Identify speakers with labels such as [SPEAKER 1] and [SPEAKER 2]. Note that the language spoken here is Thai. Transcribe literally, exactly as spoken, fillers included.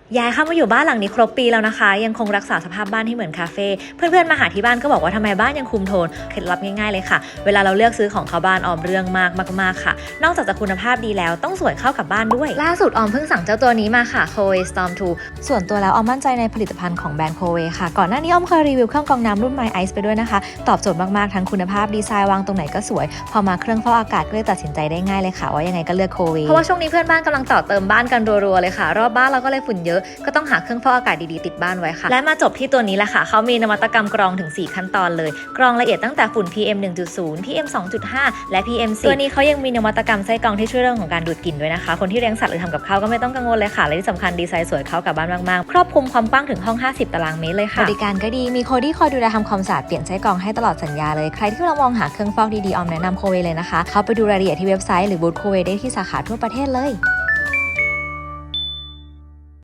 [SPEAKER 1] ย้ายเข้ามาอยู่บ้านหลังนี้ครบปีแล้วนะคะยังคงรักษาสภาพบ้านที่เหมือนคาเฟ่เพื่อนๆมาหาที่บ้านก็บอกว่าทำไมบ้านยังคุมโทนเคล็ดลับง่ายๆเลยค่ะเวลาเราเลือกซื้อของเข้าบ้านออมเรื่องมากมากๆค่ะนอกจากจะคุณภาพดีแล้วต้องสวยเข้ากับบ้านด้วยล่าสุดออมเพิ่งสั่งเจ้าตัวนี้มาค่ะ Coway Storm ทู ส่วนตัวแล้วออมมั่นใจในผลิตภัณฑ์ของแบรนด์ Coway ค่ะก่อนหน้านี้ออมเคยรีวิวเครื่องกรองน้ำรุ่น My Ice ไปด้วยนะคะตอบโจทย์มากๆทั้งคุณภาพดีไซน์วางตรงไหนก็สวยพอมาเครื่องฟอกอากาศก็เลยตัดสินใจได้ง่ายเลยค่ะว่ายังไงก็เลือก Coway เพราะว่าช่วงนี้เพื่อนบ้านกำลังต่อเติมบ้านกันรัวๆเลยค่ะรอบบ้านเราก็เลยฝุ่นเยอะก็ต้องหาเครื่องฟอกอากาศดีๆติดบ้านไว้ค่ะและมาจบที่ตัวนี้แหละค่ะเขามีนวัตกรรมกรองถึงสี่ขั้นตอนเลยกรองละเอียดตั้งแต่ฝุ่น พี เอ็ม หนึ่งจุดศูนย์ พี เอ็ม สองจุดห้า และ พี เอ็ม สิบ ตัวนี้เขายังมีนวัตกรรมไส้กรองที่ช่วยเรื่องของการดูดกลิ่นด้วยนะคะคนที่เลี้ยงสัตว์หรือทำกับข้าวก็ไม่ต้องกังวลเลยค่ะและที่สำคัญดีไซน์สวยเข้ากับบ้านมากๆครอบคลุมความกว้างถึงห้องห้าสิบตารางเมตรเลยค่ะบริการก็ดีมีโคดี้คอยดูแลทำความสะอาดเปลี่ยนไส้กรองให้ตลอดสัญญาเลยใครที่กำลังมองหาเครื่องฟอกดีๆออมแนะนำ Coway เลยนะคะเขาไปดูรายละเอียดที่เว็บไซต์หรือบูธ Cowayได้ที่สาขาทั่วประเทศเลย